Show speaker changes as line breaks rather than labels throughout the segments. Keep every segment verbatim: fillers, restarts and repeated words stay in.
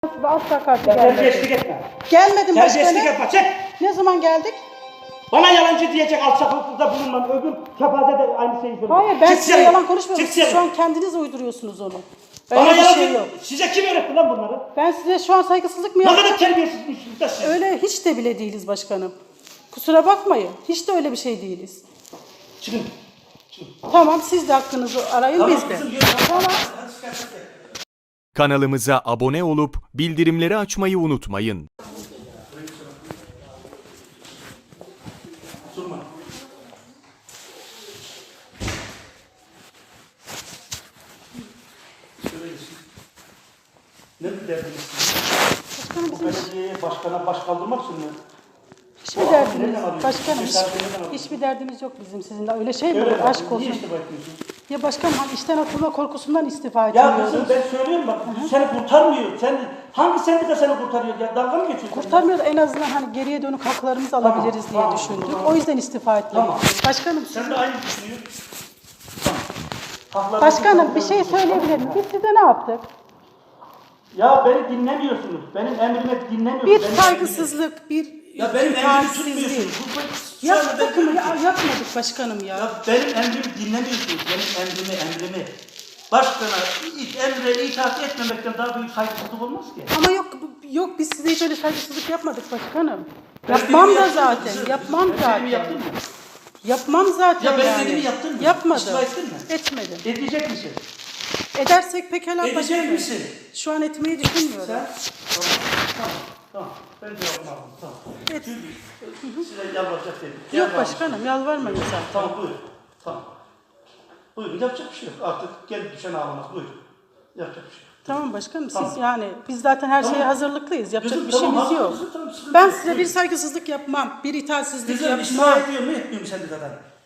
Ve asla karşı
Ya
gelmedim.
terbiyesizlik etme.
Gelmedim
Terbiyesizlik
başkanım.
etme. Çek.
Ne zaman geldik?
Bana yalancı diyecek alçaklıkta bulunmam. Öbür kepaze de aynı şeyi söylüyor.
Hayır ben
Çık
size
dışarı.
yalan konuşmuyorum.
Çık
Siz
dışarı.
şu an kendiniz uyduruyorsunuz onu. Öyle
Bana
bir
yalancı.
şey yok.
Size kim öğretti lan bunları?
Ben size şu an saygısızlık mı
Ne
yaptım?
kadar terbiyesizsiniz de siz.
Öyle hiç de bile değiliz başkanım. Kusura bakmayın. Hiç de öyle bir şey değiliz.
Çıkın. Çıkın.
Tamam siz de hakkınızı arayın
Tamam,
biz de.
kızım, yürü.
Tamam.
Hadi çıkar, çıkar.
Kanalımıza abone olup bildirimleri açmayı unutmayın.
Durma. Söyleyin. Ne bir derdiniz?
Başkanım
Bu
bizim
belediyeye başkana baş kaldırmak için mi?
hiçbir
Bu
derdimiz,
nereden alıyorsun?
başkanım hiç,
Cesaretini nereden alıyorsun?
hiçbir derdimiz yok bizim sizinle. Öyle şey mi
Öyle
olur?
mi?
Aşk
Niye
olsun.
istifa etmiyorsun?
Ya başkanım hani işten atılma korkusundan istifa
Ya
etmiyoruz.
kızım ben söylüyorum bak, seni kurtarmıyor. Sen hangi sendika seni kurtarıyor ya? Dalga mı geçiyorsun?
Kurtarmıyoruz en azından hani geriye dönük haklarımızı
Tamam,
alabiliriz diye
tamam,
düşündük.
tamam.
O yüzden istifa ettik.
Tamam.
Başkanım
Sen
siz-
de aynı düşünüyorsun. Tamam. Haklarını
Başkanım bir şey
kurtarıyorsun.
söyleyebilir miyim? Biz size ne yaptık?
Ya beni dinlemiyorsunuz. Benim emrimi dinlemiyorsunuz.
Bir
Benim
saygısızlık, bir
emrimi- Ya benim emrimi
itaatsizlik.
tutmuyorsunuz. Bu- bu- şu anda ben
Yaptık mı?
diyorum
Ya,
ki,
yapmadık başkanım ya.
Ya benim emrimi dinlemiyorsunuz. Benim emrimi, emrimi. Başkana ilk emre itaat etmemekten daha büyük saygısızlık olmaz ki.
Ama yok yok biz size hiç öyle saygısızlık yapmadık başkanım.
Ben
Yapmam
dediğimi
da
yaptın mı
zaten.
kızım?
Yapmam
Ben dediğimi
zaten.
yaptın mı?
Yapmam zaten
Ya ben
yani.
dediğimi yaptın mı?
Yapmadım.
İstifa ettin mi?
Etmedim.
Edecek misin?
Edersek pekala
Edecek
başkanım.
misin?
Şu an etmeyi düşünmüyorum.
Sen? Tamam. Tamam. Tamam. Ben cevabımı aldım. Tamam.
Et.
Çünkü size yalvaracak değilim.
Yok
Yalvarmış.
başkanım yalvarmayın zaten.
Tamam buyur. Tamam. Buyurun yapacak bir şey yok. Artık gel düşen ağlamaz. Buyurun. Yapacak bir şey yok.
Tamam başkanım siz
Tamam.
yani biz zaten her şeye
Tamam.
hazırlıklıyız. Yapacak
Kızım,
bir
tamam,
şeyimiz yok.
haklısın, tamam, sıkıntı
Ben
yok.
size bir
Buyurun.
saygısızlık yapmam, bir itaatsizlik
Kızım istifa
yapmam.
ediyor mu etmiyor mu sendikadan?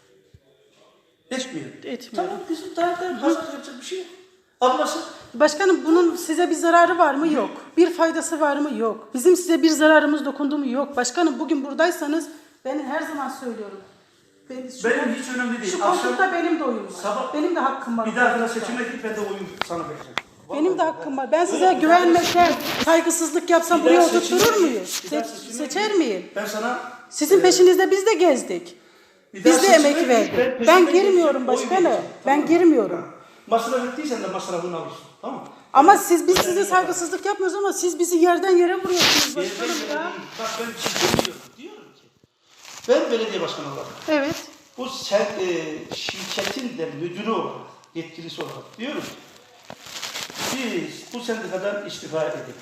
Etmiyor.
Etmiyorum.
Tamam kızım daha daha fazla yapacak bir şey yok. Ablası.
Başkanım bunun size bir zararı var mı? Yok. Bir faydası var mı? Yok. Bizim size bir zararımız dokundu mu? Yok. Başkanım bugün buradaysanız ben her zaman söylüyorum. Ben, şu,
Benim hiç önemli değil.
şu
Akşam-
koltukta benim de oyun var.
Sabah-
benim de hakkım var.
Bir dahakine seçime git ben de oyun sana vereceğim.
Benim de hakkım var. Ben size güvenmesem, saygısızlık yapsam
Bir
buraya
daha seçime
oturtturur
git.
muyuz?
Bir daha
Se-
seçime
seçer
git.
miyim?
Ben sana
Sizin
e,
peşinizde biz de gezdik.
bir daha
Biz de
seçime
emek
git,
verdik.
ben
Ben,
peşinden
girmiyorum
geleceğim, oy
başkanım.
vereceğim,
Ben
tamam mı?
girmiyorum.
masraf ettiysen de masrafını alırsın. Tamam mı?
Ama siz biz size saygısızlık yapmıyoruz ama siz bizi yerden yere vuruyorsunuz
Yerden
başkanım
yere
ya.
değil. Bak ben bir şey demiyorum. Diyorum ki ben belediye başkanı olarak
Evet.
bu sen, e, şirketin de müdürü olarak, yetkilisi olarak diyorum ki biz bu sendikadan istifa edelim.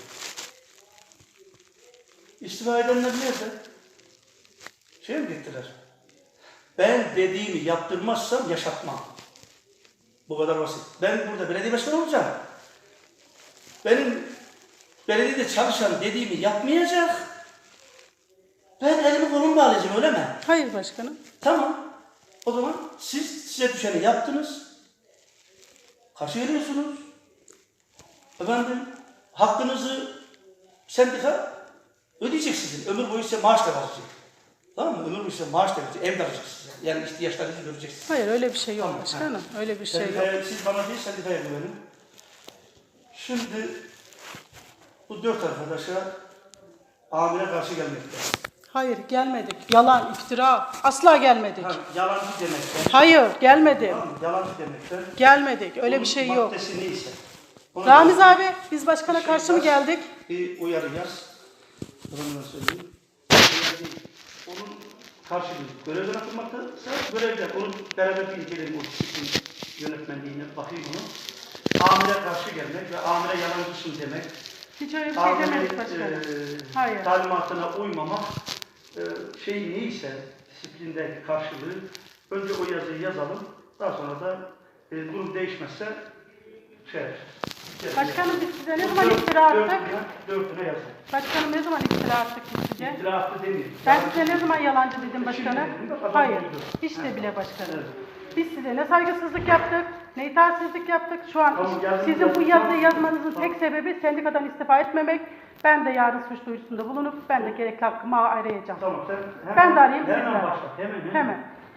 İstifa edenler nerede? Şey mi gittiler? Ben dediğimi yaptırmazsam yaşatmam. Bu kadar basit. Ben burada belediye başkanı olacağım. Benim belediyede çalışan dediğimi yapmayacak. Ben elimi kolumu bağlayacağım öyle mi?
Hayır başkanım.
Tamam. O zaman siz size düşeni yaptınız. Karşı geliyorsunuz. Efendim hakkınızı sendika ödeyecek sizin. Ömür boyu size maaş da verecek. Tamam mı? Ömür boyu size maaş da verecek. Ev de verecek size. Yani ihtiyaçlarınızı göreceksiniz.
Hayır öyle bir şey yok
Tamam,
başkanım. Öyle bir şey yok.
Sendikaya, siz bana değil sendikaya güvenin. Şimdi bu dört arkadaşa amire karşı gelmekte.
Hayır gelmedik. Yalan, iftira. Asla gelmedik.
Ha, yalancı demekten.
Hayır gelmedim.
Tamam mı? Yalancı demekten.
Gelmedik. Öyle bir
Bunun
şey yok.
Maddesi neyse. Ona
Ramiz
göre
abi biz başkana
bir şey
karşı mı
yaz,
geldik?
Bir uyarı yaz. Efendime söyleyeyim. Uyarı değil. Onun karşılığı görevden atılmaktaysa görevden. Onu beraber bir inceleyelim o disiplin yönetmenliğine bakayım onu. Amire karşı gelmek ve amire yalancısın demek.
Hiç öyle bir şey
Amirin
demedik başkanım.
e,
Hayır.
talimatına uymamak e, şey neyse disiplindeki karşılığı önce o yazıyı yazalım. Daha sonra da e, durum değişmezse şey yapacağız.
Başkanım biz size ne
Bu
zaman
dört-
iftira attık?
Dörtüne, dörtüne yazın.
Başkanım ne zaman iftira attık biz size?
İftira attı demeyeyim.
Ben size ne zaman yalancı dedim başkanım?
Şimdi, adam
Hayır.
duydu.
Hiç de bile başkanım.
Evet.
Biz size ne saygısızlık yaptık, ne itaatsizlik yaptık. Şu an
Tamam, yazın,
sizin bu
yazın,
yazıyı
tamam.
yazmanızın
Tamam.
tek sebebi sendikadan istifa etmemek. Ben de yarın suç duyurusunda bulunup ben de gerekli hakkımı arayacağım.
Tamam sen hemen,
Ben de arayayım, siz de
hemen
arayın.
başla. Hemen, hemen.
Hemen.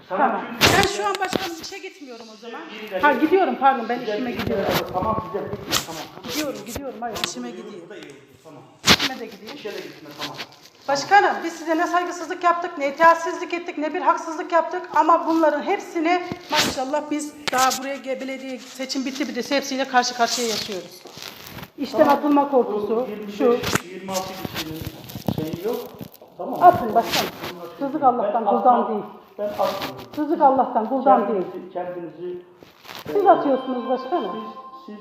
Sana
Tamam.
çünkü-
Ben şu an başkanım işe gitmiyorum o zaman. Ha gidiyorum pardon ben işime gidiyorum.
Tamam güzel gitme tamam.
Gidiyorum gidiyorum hayır işime gidiyorum.
Bu da iyi oldu tamam.
İşime de gideyim.
İşe de gitme tamam.
Başkanım biz size ne saygısızlık yaptık, ne itaatsizlik ettik, ne bir haksızlık yaptık ama bunların hepsini maşallah biz daha buraya ge- belediye seçim bitti bir de hepsiyle karşı karşıya yaşıyoruz. İşten atılma korkusu, şu.
yirmi altı kişinin şeyi yok. Tamam.
Atın başkanım. Rızık Allah'tan, kuldan değil.
Ben atmıyorum.
Rızık Allah'tan, kuldan değil.
Kendinizi, kendinizi
Siz atıyorsunuz başkanım.
siz,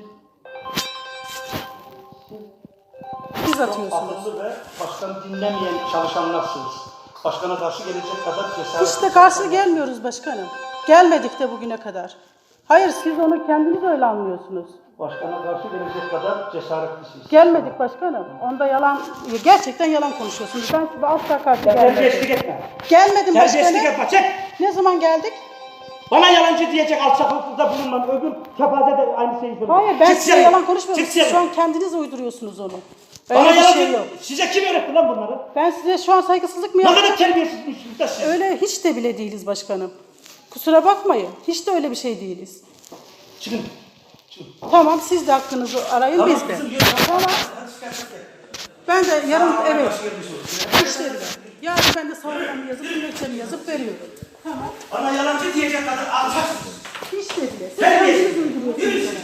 siz,
Siz
siz
atıyorsunuz.
akıllı ve başkanı dinlemeyen çalışanlarsınız. Başkana karşı gelecek kadar cesaret.
Hiç de karşı gelmiyoruz başkanım. Gelmedik de bugüne kadar. Hayır siz onu kendiniz öyle anlıyorsunuz.
Başkana karşı gelecek kadar cesaretlisiniz.
Gelmedik başkanım. Onda yalan, gerçekten yalan konuşuyorsunuz. Ben size asla karşı
Terbiyesizlik
gelmedim.
etme.
Gelmedim
Terbiyesizlik
başkanım.
etme. Çek.
Ne zaman geldik?
Bana yalancı diyecek alçaklıkta bulunmam. Öbür kepaze de aynı şeyi söylüyor.
Hayır ben
Çık
size
dışarı.
yalan konuşmuyorum.
Çık
Siz
dışarı.
şu an kendiniz uyduruyorsunuz onu.
Bana
Öyle bir
yalancı.
şey yok.
Size kim öğretti lan bunları?
Ben size şu an saygısızlık mı
Ne
yaptım?
kadar terbiyesizmişsiniz de siz.
Öyle hiç de bile değiliz başkanım. Kusura bakmayın. Hiç de öyle bir şey değiliz.
Çıkın. Çıkın.
Tamam siz de hakkınızı arayın biz de. Tamam. Ben de yarın evet. İşleri ver. Yarın ben de savunmamı yazıp dilekçemi yazıp veriyorum. Tamam.
Bana yalancı diyecek kadar alçaksınız.
Hiç de bile. Siz
Terbiyesiz.
kendiniz uyduruyorsunuz.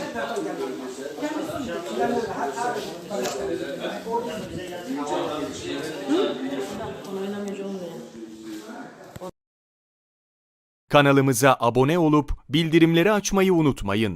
Kanalımıza abone olup bildirimleri açmayı unutmayın.